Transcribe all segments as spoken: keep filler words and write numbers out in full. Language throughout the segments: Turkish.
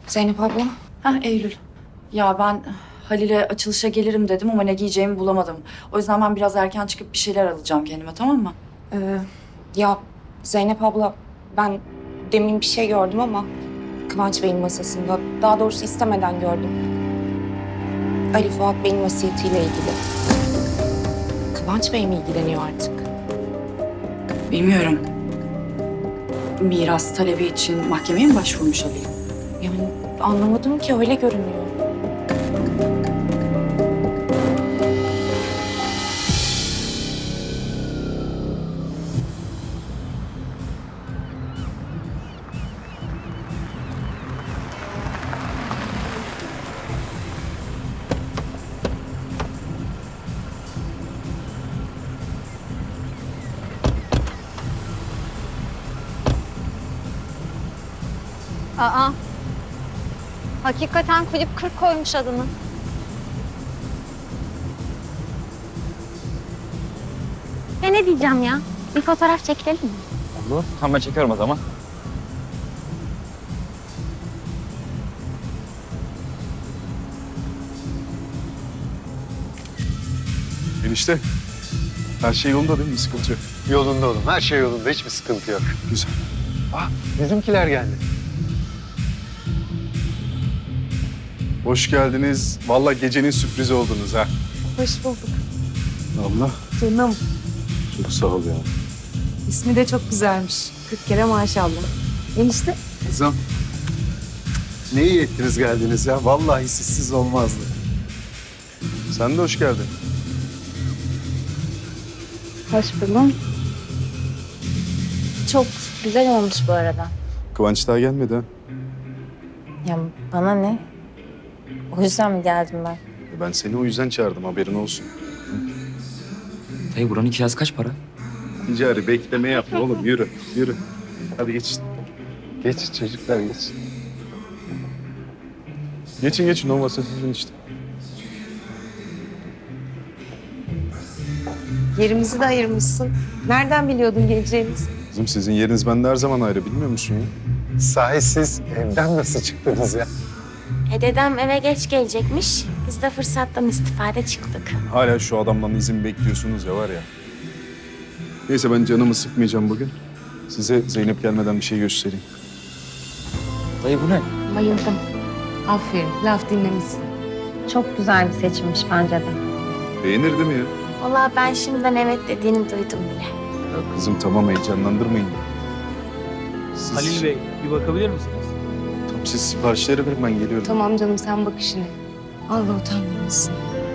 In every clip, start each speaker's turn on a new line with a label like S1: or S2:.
S1: Zeynep abla.
S2: Hah Eylül. Ya ben Halil'e açılışa gelirim dedim ama ne giyeceğimi bulamadım. O yüzden ben biraz erken çıkıp bir şeyler alacağım kendime, tamam mı?
S1: Ee, ya Zeynep abla, ben demin bir şey gördüm ama Kıvanç Bey'in masasında. Daha doğrusu istemeden gördüm. Ali Fuat Bey'in vasiyetiyle ilgili. Kıvanç Bey mi ilgileniyor artık?
S2: Bilmiyorum. Miras talebi için mahkemeye mi başvurmuş Halil?
S1: Yani anlamadım ki, öyle görünüyor.
S3: Aa, hakikaten kulüp kırk koymuş adını. Ya ne diyeceğim ya? Bir fotoğraf çekelim mi?
S4: Olur. Tamam ben çekiyorum o zaman.
S5: Enişte, her şey yolunda değil mi? Sıkıntı yok.
S6: Yolunda oğlum. Her şey yolunda. Hiçbir sıkıntı yok.
S5: Güzel.
S6: Ah, bizimkiler geldi.
S5: Hoş geldiniz. Vallahi gecenin sürprizi oldunuz ha.
S7: Hoş bulduk.
S5: Allah.
S7: Canım.
S5: Çok sağ ol ya.
S7: İsmi de çok güzelmiş. Kırk kere maşallah. Enişte.
S6: Kızım. Ne iyi ettiniz geldiniz ya. Vallahi sizsiz olmazdı.
S5: Sen de hoş geldin.
S3: Hoş buldum. Çok güzel olmuş bu arada.
S5: Kıvanç daha gelmedi ha.
S3: Ya bana ne? O yüzden mi geldim ben?
S5: E, Ben seni o yüzden çağırdım, haberin olsun.
S4: Dayı buranın kirası kaç para?
S5: Ticari bekleme yapma oğlum. Yürü, yürü. Hadi geçin.
S6: Geç çocuklar geç.
S5: Geçin geçin, o masa sizin işte.
S7: Yerimizi de ayırmışsın. Nereden biliyordun geleceğimizi?
S5: Kızım sizin yeriniz bende her zaman ayrı, bilmiyor musun ya?
S6: Sahi siz evden nasıl çıktınız ya?
S3: E dedem eve geç gelecekmiş. Biz de fırsattan istifade çıktık.
S5: Hala şu adamdan izin bekliyorsunuz ya, var ya. Neyse ben canımı sıkmayacağım bugün. Size Zeynep gelmeden bir şey göstereyim.
S4: Dayı bu ne?
S3: Bayıldım.
S7: Aferin, laf dinlemişsin.
S3: Çok güzel bir seçimmiş bence de.
S5: Beğenir değil mi ya?
S3: Vallahi ben şimdiden evet dediğini duydum bile.
S5: Ya kızım tamam, heyecanlandırmayın. Siz,
S8: Halil Bey, bir bakabilir misiniz?
S5: Tamam, siz siparişleri verin, ben geliyorum.
S7: Tamam canım, sen bak işine. Allah utandırmasın.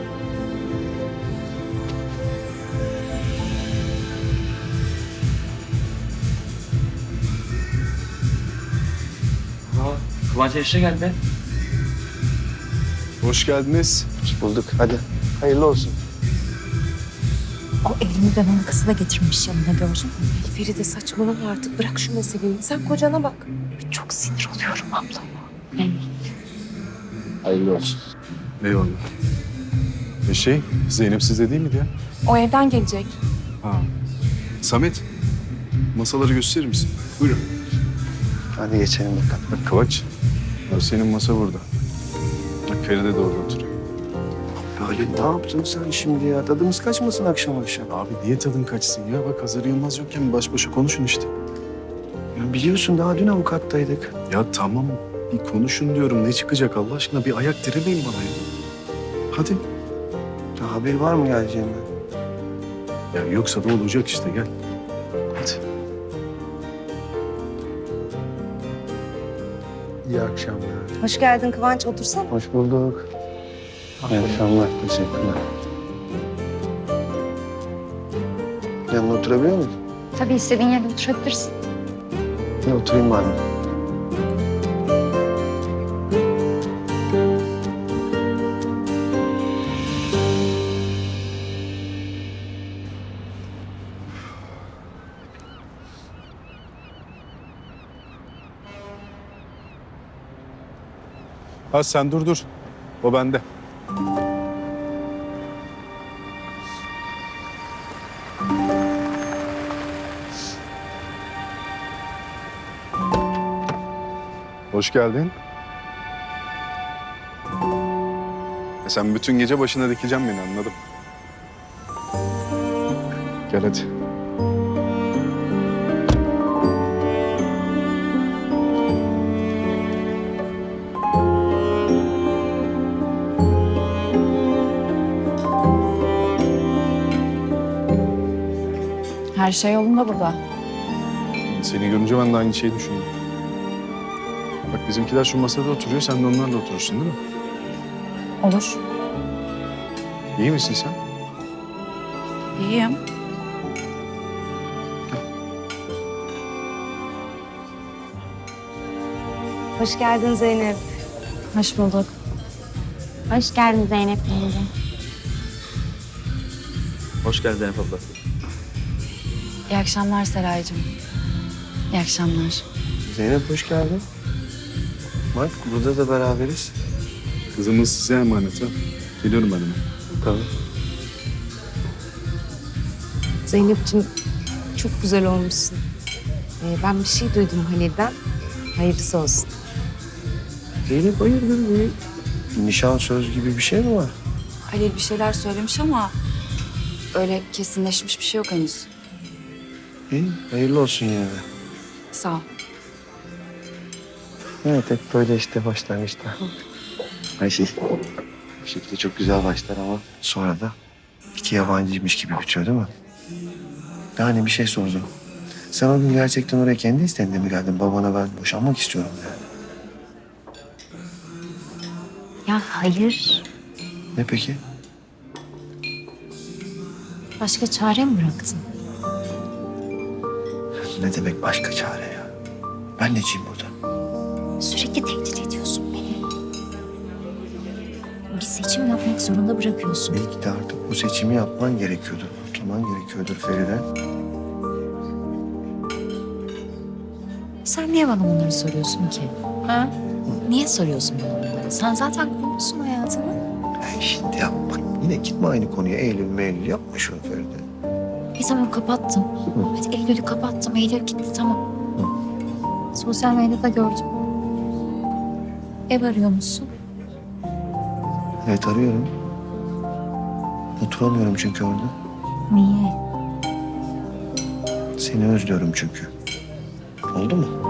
S4: Aa, Kıvanç enişte geldi.
S5: Hoş geldiniz.
S6: Hoş bulduk. Hadi. Hayırlı olsun.
S1: O elini dönen kızı da getirmiş yanına, gördün mü?
S7: Feride saçmalama artık. Bırak şu meseleyi. Sen kocana bak.
S1: Çok sinir oluyorum abla.
S4: Hayırlı olsun.
S5: Eyvallah. E şey, Zeynep sizde değil miydi ya?
S1: O evden gelecek.
S5: Ha. Samet, masaları gösterir misin? Buyurun.
S6: Hadi geçelim bakalım.
S5: Bak Kıvanç, bak senin masa burada. Bak Feride de orada oturuyor.
S6: Halil ne yaptın sen şimdi ya? Tadımız kaçmasın akşam akşam.
S5: Abi niye tadın kaçsın ya? Bak Hazar Yılmaz yokken baş başa konuşun işte.
S6: Ya biliyorsun daha dün avukattaydık.
S5: Ya tamam, bir konuşun diyorum. Ne çıkacak Allah aşkına? Bir ayak diremeyin bana ya. Hadi.
S6: Ya haber var mı geleceğinden?
S5: Ya yoksa da olacak işte, gel. Hadi.
S6: İyi akşamlar.
S7: Hoş geldin Kıvanç. Otursana.
S6: Hoş bulduk. İyi akşamlar. Teşekkürler. Yanına oturabiliyor muyum?
S3: Tabii istediğin yerde oturabilirsin.
S6: Ya oturayım madem.
S5: Ha sen dur dur. O bende. Hoş geldin. E sen bütün gece başına dikeceksin beni, anladım. Gel hadi.
S2: Her şey yolunda burada.
S5: Seni görünce ben de aynı şeyi düşündüm. Bak bizimkiler şu masada oturuyor, sen de onlarla oturursun değil mi?
S2: Olur.
S5: İyi misin sen?
S2: İyiyim.
S7: Hoş geldin Zeynep.
S2: Hoş bulduk.
S3: Hoş geldin Zeynep yenge.
S4: Hoş geldin Zeynep abla.
S2: İyi akşamlar Seraycığım. İyi akşamlar.
S6: Zeynep hoş geldin. Bak burada da beraberiz.
S5: Kızımız size emanet ha. Geliyorum ben hemen.
S6: Tamam.
S7: Zeynep'ciğim çok güzel olmuşsun. Ee, ben bir şey duydum Halil'den. Hayırlısı olsun.
S6: Zeynep hayırdır bir nişan söz gibi bir şey mi var?
S2: Halil bir şeyler söylemiş ama öyle kesinleşmiş bir şey yok henüz.
S6: İyi, hayırlı olsun yine de.
S2: Sağ ol.
S6: Evet, hep böyle işte başlangıçta. Her şey bir şekilde çok güzel başlar ama sonra da iki yabancıymış gibi bitiyor değil mi? Yani bir şey sordum. Sen o gün gerçekten oraya kendi isteğinle mi geldin? Babana ben boşanmak istiyorum yani.
S3: Ya hayır.
S6: Ne peki?
S3: Başka çare mi bıraktın?
S6: Ne demek başka çare ya? Ben neciyim burada?
S3: Sürekli tehdit ediyorsun beni. Bir seçim yapmak zorunda bırakıyorsun.
S6: Belki de artık bu seçimi yapman gerekiyordur. Kurtulman gerekiyordur Feride.
S8: Sen niye bana bunları soruyorsun ki?
S3: Ha?
S8: Niye soruyorsun bana bunları? Sen zaten kurmuşsun hayatını.
S6: Ay şimdi yapma. Yine gitme aynı konuya. Eylül meylül yapma şunu Feride.
S8: E tamam kapattım. Hadi Eylül'ü kapattım. Eylül gitti tamam. Sosyal medyada gördüm. Ev arıyor musun?
S6: Evet arıyorum. Oturamıyorum çünkü orada.
S8: Niye?
S6: Seni özlüyorum çünkü. Oldu mu?